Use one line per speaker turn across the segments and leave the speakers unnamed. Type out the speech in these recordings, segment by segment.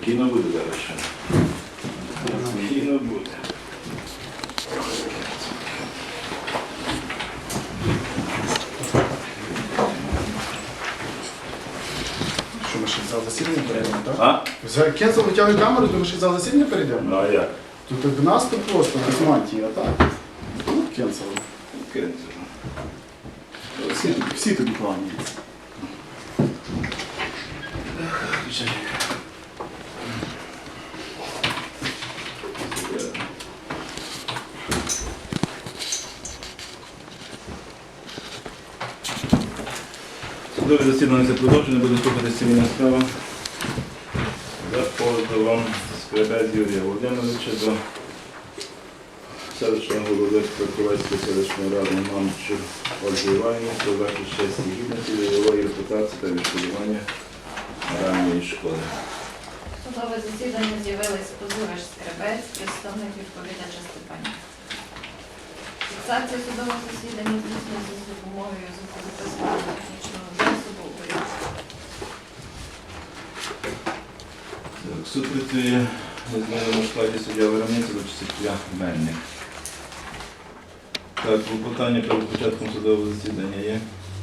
Спокійно буде зараз ще. Спокійно буде.
Що, ми ще в зал засідання перейдемо, так?
А?
Вже кінцем витягує камеру, то ми ще в зал засідання перейдемо?
Ну а як?
Тут в нас тут просто без мантії, а так? Ну, кінцево. Всі тобі кланяються.
Судове засідання це продовження, буде слухатися цивільна справа за позовом Скребець Юрія Володимировича до селищного голови Краківецької селищної ради Мамчур Ольги Іванівни про захист честі і гідності, бойової репутації та відшкодування моральної шкоди.
Судове засідання з'явились позивач Скребець, представник відповідача Степанів. Фіксація судового засідання здійснюється з допомогою звукозаписаного технічного засобу «Уряд».
Суд працює у зміненому складі суддя Виробниця до суддя Мельник. Так, клопотання перед початком судового засідання є?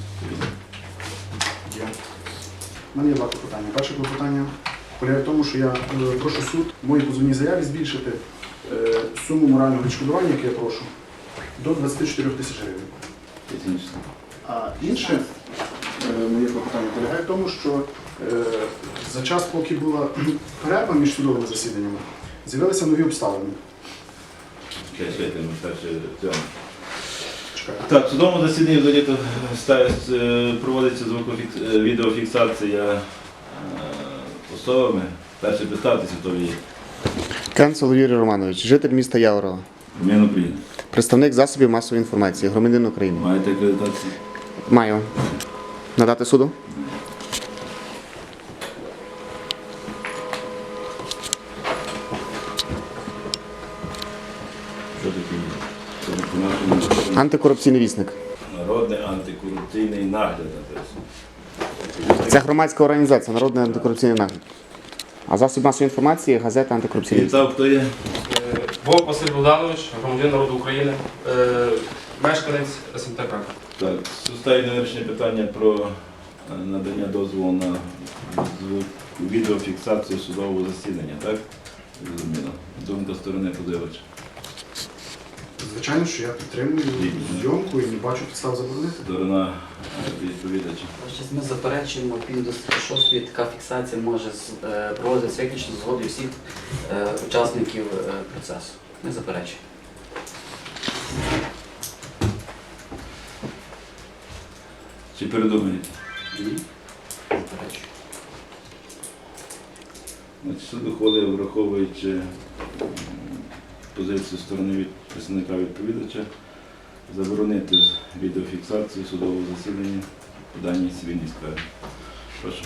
Є. У мене є два клопотання. Перше клопотання полягає в тому, що я прошу суд в моїй позовній заяві збільшити суму морального відшкодування, яке я прошу, до 24 тисяч гривень.
Технічно.
А інше моє клопотання полягає в тому, що за час, поки була перерва між судовими засіданнями, з'явилися нові обставини.
Чекайте, ми перше цьому.
Чекаю.
Так, в судовому засіданні взагалі проводиться відеофіксація особами. Перше представтеся, хто ви є.
Кенцел Юрій Романович, житель міста Яворова,
Ім'я України.
представник засобів масової інформації, громадянин України.
Маєте акредитацію?
Маю. Надати суду?
Що таке є? Це по-нашому
Антикорупційний вісник.
народний антикорупційний нагляд написано.
Це громадська організація, Народний антикорупційний нагляд. А засіб масової інформації – газета антикорупційний вісник.
Вітав, хто є?
Вовк Василь Богданович, громадянин народу України, мешканець СМТ Краків.
Так, ставить на вирішення питання про надання дозволу на відеофіксацію судового засідання, так? Зрозуміло. Думка сторони подивача.
Звичайно, що я підтримую зйомку і не бачу підстав заборонити.
Сторона відповідача.
Щось ми заперечуємо, відповідно до 6 така фіксація може проводитися виключно з згодою всіх учасників процесу. Ми заперечуємо.
Чи передумаєте?
Ні. Заперечуємо.
Значить, суд ухвалив, враховуючи позицію сторони представника відповідача, заборонити відеофіксацію судового засідання по даній цивільній справі. Прошу.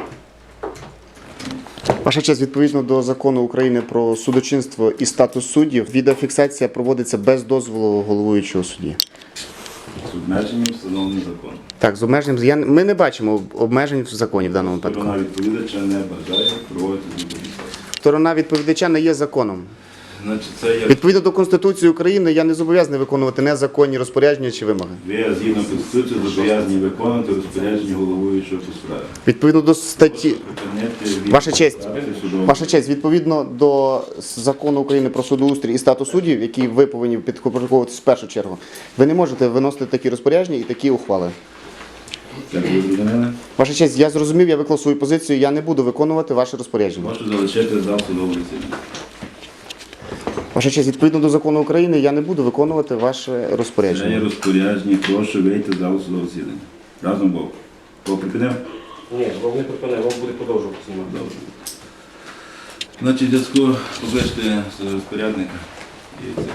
Ваша честь, відповідно до закону України про судочинство і статус суддів, відеофіксація проводиться без дозволу головуючого судді.
З обмеженням встановленим законом.
Так, з обмеженням. Ми не бачимо обмежень в законі в даному випадку.
Сторона відповідача не бажає проводити відеофіксацію.
Сторона відповідача не є законом.
Значить, це є...
Відповідно до Конституції України, я не зобов'язаний виконувати незаконні розпорядження чи вимоги.
Ви, згідно Конституції, зобов'язані виконувати розпорядження головуючого по справі.
Відповідно до статті...
Припинити
Ваша честь,
відеофіксацію судового
Ваша честь, відповідно до закону України про судоустрій і статус суддів, які ви повинні підпорядковуватися в першу чергу, ви не можете виносити такі розпорядження і такі ухвали.
Як ви зрозуміли?
Ваша честь, я зрозумів, я виклав свою позицію, я не буду виконувати ваше розпорядження.
Можу залишити зал судового засідання.
Ваша честь, відповідно до закону України, я не буду виконувати ваше
Це є
розпорядження.
розпорядження, прошу вийти з залу судового засідання. Разом Бог. Кого припинив?
Ні, Вовк не припинив, Вовк буде продовжувати знімати.
Добре. Значить, в зв'язку покличте розпорядника. І це.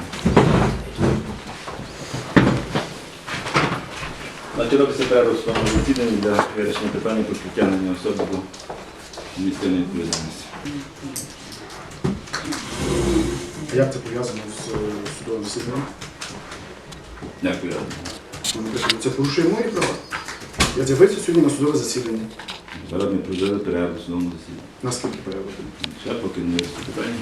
Значить, робиться перерва в судовому засіданні для вирішення питання про притягнення особи до адміністративної відповідальності.
Як це пов'язано з судовим засіданням?
Дякую.
Вони кажуть, це порушує мої права. Я з'явився сьогодні на судове засідання.
Зараз ми провели перегляд у судовому засіданні.
Наскільки порядок?
Ще поки не вирішили питання.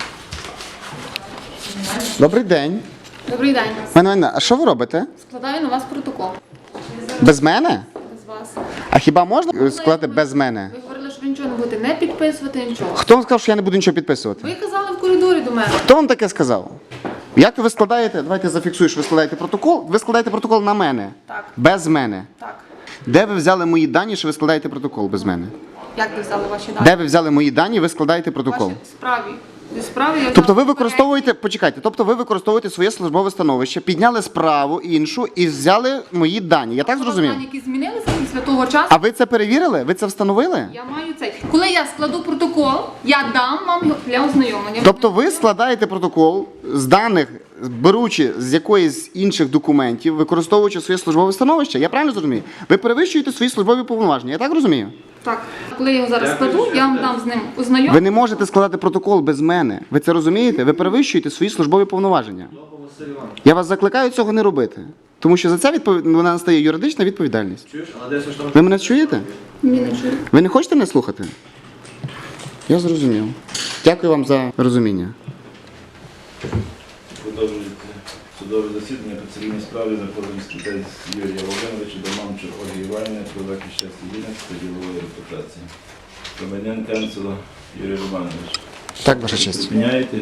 Добрий день.
Добрий день.
Мене, а що ви робите?
Складаю на вас протокол.
Без мене?
Без вас.
А хіба можна складати без мене?
Ви говорили, що ви нічого не будете не підписувати, нічого.
Хто вам сказав, що я не буду нічого підписувати?
Ви казали в коридорі до мене.
Хто вам таке сказав? Як ви складаєте? Давайте зафіксую, що ви складаєте протокол. Ви складаєте протокол на мене.
Так.
Без мене.
Так.
Де ви взяли мої дані, що ви складаєте протокол без мене?
Як ви взяли ваші дані?
Де ви взяли мої дані, ви складаєте протокол?
Ваші справі. Зі справи я
Тобто ви
взяла
використовуєте, почекайте, тобто ви використовуєте своє службове становище, підняли справу іншу і взяли мої дані. Я так
попередні
зрозумів?
дані, які змінилися після того часу.
А ви це перевірили? Ви це встановили?
Я маю цей. Коли я складу протокол, я дам вам його для ознайомлення.
Тобто ви складаєте протокол з даних, беручи з якоїсь інших документів, використовуючи своє службове становище? Я правильно зрозумію? Ви перевищуєте свої службові повноваження, я так розумію?
Так. Коли я його зараз складу, я вам дам з ним ознайомлення.
Ви не можете складати протокол без мене. Ви це розумієте? Ви перевищуєте свої службові повноваження. Я вас закликаю цього не робити. Тому що за це вона настає юридична відповідальність. Ви мене чуєте?
Ні, не чую.
Ви не хочете мене слухати? Я зрозумів. Дякую вам за розуміння.
Продовжується судове засідання по цивільній справі за позовом статей Юрія Володимировича до Мамчур Ольги Іванівни про захист честі гідності та ділової репутації. Громадян Канцела Юрій Романович.
Так, ваша честь.
Зупиняєте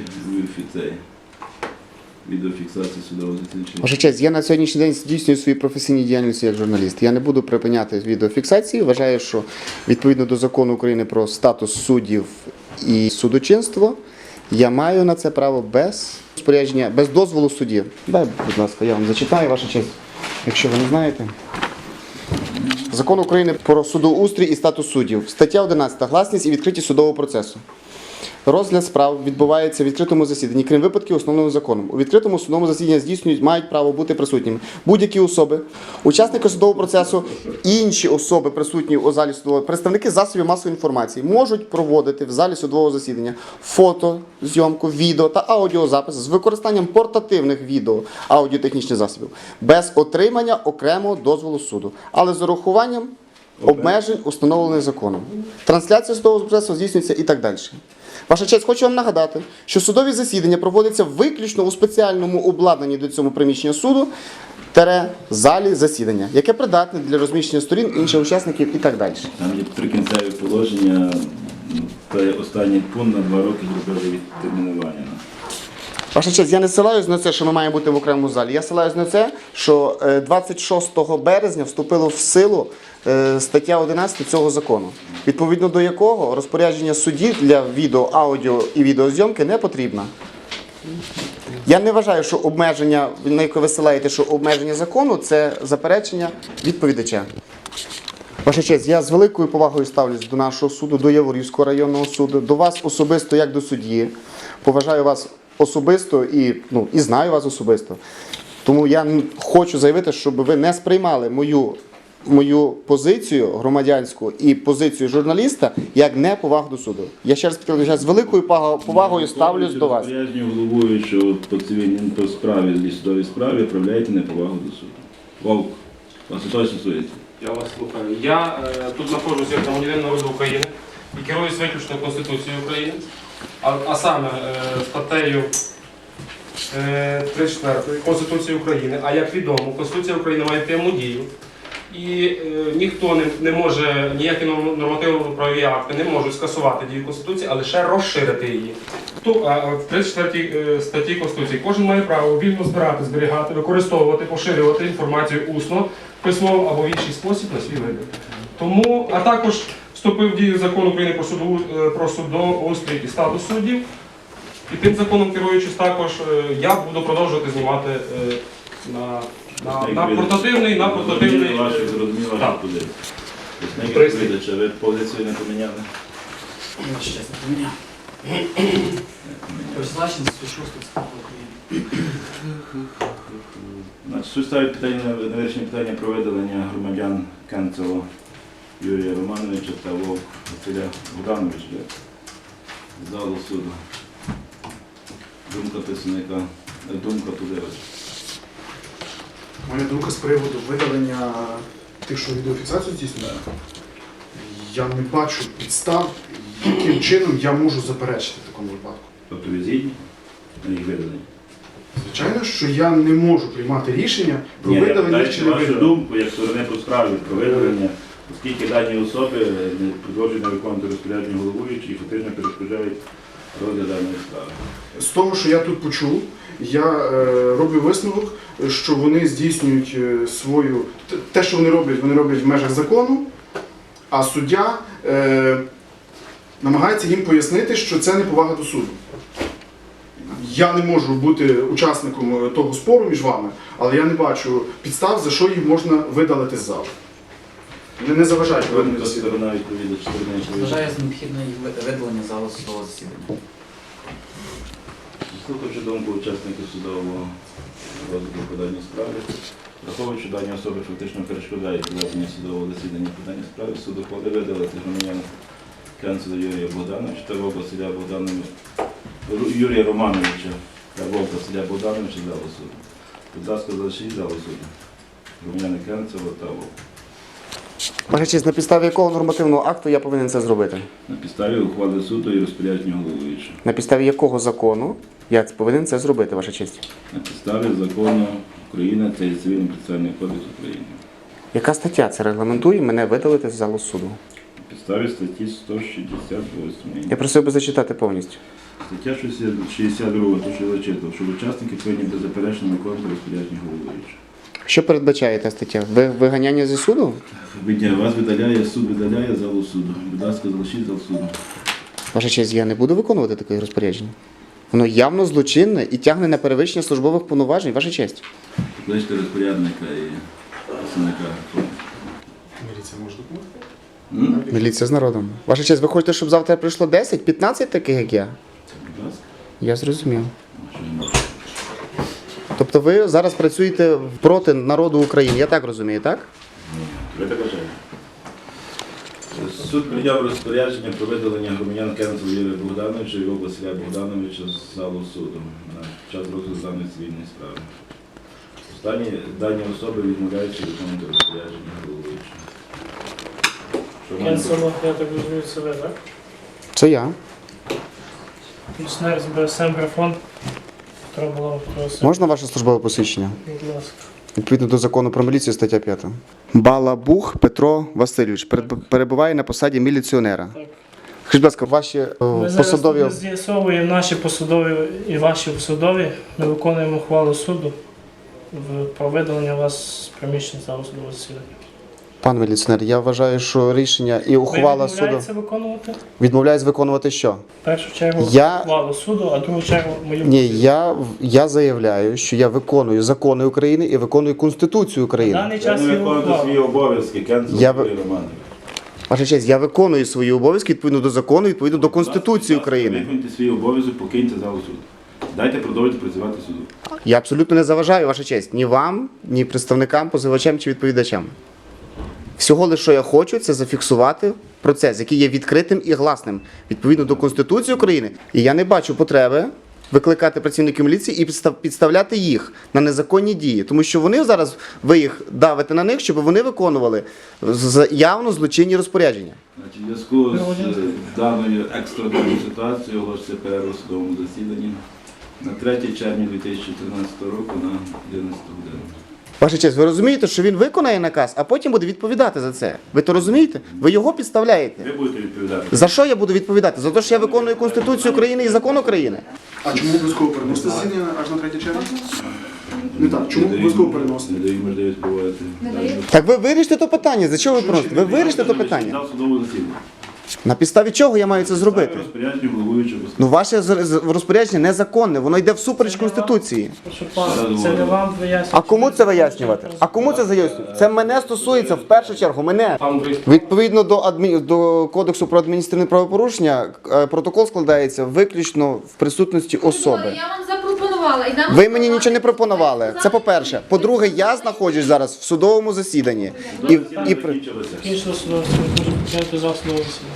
відеофіксацію судового засідання?
Ваша честь, я на сьогоднішній день здійснюю свої професійні діяльності як журналіст. Я не буду припиняти відеофіксації. Вважаю, що відповідно до закону України про статус суддів і судочинство, я маю на це право без розпорядження, без дозволу судді. Дай, будь ласка, я вам зачитаю, ваша честь, якщо ви не знаєте. Закон України про судоустрій і статус суддів. Стаття 11. Гласність і відкритість судового процесу. Розгляд справ відбувається в відкритому засіданні, крім випадків основним законом. У відкритому судовому засіданні мають право бути присутніми будь-які особи, учасники судового процесу, інші особи, присутні у залі судового, представники засобів масової інформації, можуть проводити в залі судового засідання фото, зйомку, відео та аудіозапис з використанням портативних відео, аудіотехнічних засобів, без отримання окремого дозволу суду, але з урахуванням обмежень, установлених законом. Трансляція судового процесу здійснюється і так далі. Ваша честь, хочу вам нагадати, що судові засідання проводяться виключно у спеціальному обладнанні до цього приміщення суду, залі засідання, яке придатне для розміщення сторін, інших учасників і так далі.
Там є прикінцеві положення, останній пункт на 2 роки зробили відтермінування.
Ваша честь, я не ссилаюсь на це, що ми маємо бути в окремому залі. Я ссилаюсь на це, що 26 березня вступило в силу стаття 11 цього закону, відповідно до якого розпорядження судді для відео, аудіо і відеозйомки не потрібно. Я не вважаю, що обмеження, на яке ви ссилаєте, що обмеження закону – це заперечення відповідача. Ваша честь, я з великою повагою ставлюсь до нашого суду, до Яворівського районного суду, до вас особисто як до судді. Поважаю вас особисто і знаю вас особисто. Тому я хочу заявити, щоб ви не сприймали мою позицію громадянську і позицію журналіста як неповагу до суду. Я ще раз підкреслюю, з великою повагою ставлюсь до вас.
Розпорядження головуючого по цивільній справі, і судовій справі, проявляєте неповагу до суду. Вовк, вас це точно стосується?
Я вас слухаю. Я тут знаходжуся як громадянин народу України і керуюсь виключно Конституцією України, а саме статтею 34 Конституції України. А як відомо, Конституція України має пряму дію. І ніхто не може, ніякі нормативно-правові акти не можуть скасувати дію Конституції, а лише розширити її. В 34 статті Конституції кожен має право вільно збирати, зберігати, використовувати, поширювати інформацію усно, письмово або в інший спосіб на свій вибір. Тому, а також вступив в дію Закон України про судоустрій і статус суддів. І тим законом керуючись також, я буду продовжувати знімати на портативний.
Зрозуміло вашу позицію. Відповідача, ви позицію не поміняли?
Ваша честь, не поміняв. Призначення 106 ЦК України.
Суд ставить питання на вирішення питання про видалення громадян Канцела Юрія Романовича та Вовк Василя Богдановича з залу суду. Думка представника, думка позивача.
У мене думка з приводу видалення тих, що відеофіксацію здійснює. я не бачу підстав, яким чином я можу заперечити в такому випадку.
Тобто ви згідні на їх видалення?
Звичайно, що я не можу приймати рішення про
Ні, я
видалення
питаю
чи не
вашу
видалення.
думку, як сторони по справі про видалення, оскільки дані особи не продовжують не виконувати розпорядження головуючої і фактично перешкоджають розгляд даної справи.
З того, що я тут почув, я роблю висновок, що вони здійснюють свою... Те, що вони роблять в межах закону, а суддя намагається їм пояснити, що це неповага до суду. Я не можу бути учасником того спору між вами, але я не бачу підстав, за що їх можна видалити з залу. Вони не заважають проведенню
Хто
засідання.
сторона відповідач, сторона відповідач.
Вважаю за необхідне їх видалення залу судового засідання.
Слухаючи думку учасників судового розгляду по даній справі, враховуючи дані особи фактично перешкодають проведення судового засідання по даній справі, суд ухвалив видалити громадянина Кенцеля Юрія Богдановича та Вовка Василя Юрія Романовича та Вовка Василя Богдановича з залу суду. Будь ласка, залишіть залу суду. Громадяни Кенцева та Вовка.
Ваша честь, на підставі якого нормативного акту я повинен це зробити?
На підставі ухвали суду і розпорядження головуючого.
На підставі якого закону я повинен це зробити, ваша честь?
На підставі закону України та Цивільний процесуальний кодекс України.
Яка стаття це регламентує мене видалити з залу суду?
На підставі статті 168.
Я просив би зачитати повністю.
Стаття 62, то що я зачитав, що учасники повинні беззаперечно виконувати розпорядження головуючого.
Що передбачає та стаття? Виганяння зі суду?
Вас видаляє, суд видаляє залу суду. Будь ласка, залишіть зал суду.
Ваша честь, я не буду виконувати таке розпорядження. Воно явно злочинне і тягне на перевищення службових повноважень, ваша честь.
Покличте розпорядника і представника.
Міліція може допомогти?
Міліція з народом. Ваша честь, ви хочете, щоб завтра прийшло 10, 15 таких, як я?
Будь ласка.
Я зрозумів.
Що не можете?
Тобто ви зараз працюєте проти народу України, я так розумію, так?
Ні, ви так вважаєте. Суд прийняв розпорядження про видалення громадян Кенцева Юрія Богдановича і Вовка Василя Богдановича з залу суду на час розгляду даної цивільної справи. Останні дані особи відмовляються виконувати розпорядження головуючого. Що маємо?
Кенсело, я так розумію, це ви, так?
Це я.
Пенсіонер з БСМ Графон. Петро Балабов, просить.
Можна ваше службове посвідчення?
Будь ласка.
Відповідно до закону про міліцію, стаття 5. Балабух Петро Васильович перебуває на посаді міліціонера.
Так.
Скажіть, будь ласка, ваші
Ми
посадові...
зараз з'ясовуємо наші посадові і ваші посадові. Ми виконуємо ухвалу суду про видалення вас з приміщення залу судового засідання.
Пан міліціонер, я вважаю, що рішення і ухвала
Ви
суду
відмовляєтеся виконувати?
відмовляюсь виконувати що?
В першу чергу
Я-
ухвалу суду, а в другу чергу мою
Ні,
позицію.
я заявляю, що я виконую закони України і виконую Конституцію
На
України.
даний
Я
час
не
є
виконувати свої
ухвала.
обов'язки Кенцева
Я
Юрій Романович.
Ваша честь, я виконую свої обов'язки відповідно до закону, відповідно до Конституції України.
Виконуйте свій обов'язок, покиньте залу суду. Дайте продовжити працювати суду.
Я абсолютно не заважаю, ваша честь, ні вам, ні представникам, позивачам чи відповідачам. Всього лише, що я хочу, це зафіксувати процес, який є відкритим і гласним, відповідно до Конституції України. І я не бачу потреби викликати працівників міліції і підставляти їх на незаконні дії. Тому що вони зараз, ви їх давите на них, щоб вони виконували явно злочинні розпорядження.
Значить, в зв'язку з даною екстраною ситуацією оголошується перерву в судовому засіданні на 3 червня 2013 року на 11 годину.
Ваша честь, ви розумієте, що він виконає наказ, а потім буде відповідати за це? Ви то розумієте? Ви його підставляєте.
Ви будете відповідати.
За що я буду відповідати? За те, що я виконую Конституцію України і закон України?
А чому обов'язково переносити засідання аж на 3 червня? Не так, чому обов'язково переносити?
Не даю можливість проводити.
Не даю.
Так ви вирішите то питання. За чого ви просите? Ви вирішите то питання.
Зал судового засідання.
На підставі чого я маю це зробити?
Розпорядження головуючого.
Ну, ваше розпорядження незаконне, воно йде всупереч Конституції.
Прошу пана, це не вам вияснювати.
А кому це вияснювати? А кому це заяснювати? Це мене стосується в першу чергу, мене.
Пан Борис,
Відповідно до Кодексу про адміністративне правопорушення, протокол складається виключно в присутності особи.
Я вам запропонувала. І нам
Ви мені нічого не пропонували. Це по-перше. По-друге, я знаходжусь зараз в судовому засіданні. І
Закінчилося.
Кінчило судове засідання, можу почати зал судового засідання.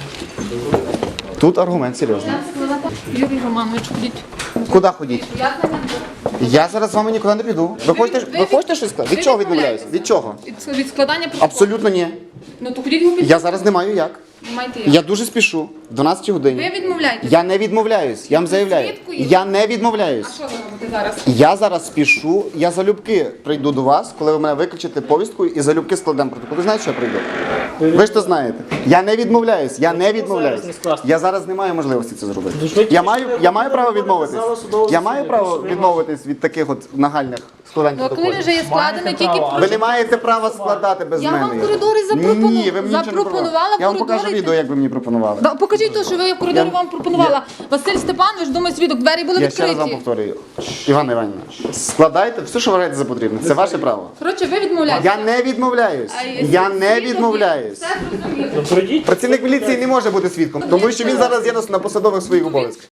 тут аргумент серйозний.
Юрій Романович, ходіть.
Куди ходіть?
Я на мене.
Я зараз з вами нікуди не піду. Ви хочете щось сказати? Від чого відмовляюся? Від чого?
Від складання протоколу.
Абсолютно ні.
Ну то ходіть його
Я зараз не маю як.
Майте
Я дуже спішу. 12 годині.
Ви відмовляєтесь?
Я не відмовляюсь, я вам заявляю.
Свідку є?
Я не
А
відмовляюсь.
що ви робите зараз?
Я зараз спішу, я залюбки прийду до вас, коли ви мене виключите повістку і залюбки складемо протокол. Ви знаєте, що я прийду? Ви ж то знаєте. Я не відмовляюсь, я не відмовляюсь.
зараз не скласти?
Я зараз не маю можливості це зробити.
Дуже ви
Я
тільки
маю,
що
я маю право
виходите
відмовитись.
до залу судового
Я маю
засідання,
право
що ви
відмовитись від таких от нагальних складань
Ну, а коли
протоколів.
вже є складено,
Маєте
тільки
право.
Ви не маєте права складати без
Я
мене.
вам в
його.
коридорі
Ні, ви мені нічого не
запропонувала в
Я вам покажу
коридорі.
відео, як ви мені пропонували.
Да, покажіть то, що ви в коридорі вам пропонувала. Василь Степанович, думаю, свідок, двері були
Я ще раз вам
відкриті.
повторюю. Іван Іванівна, складайте все, що вважаєте за потрібне. Це ваше право.
Коротше, ви відмовляєтесь.
Я не відмовляюсь. Я не відмовляюсь.
Все зрозуміло.
Ну, пройдіть.
Працівник міліції не може бути свідком, тому що він зараз є на посадових своїх обов'язках.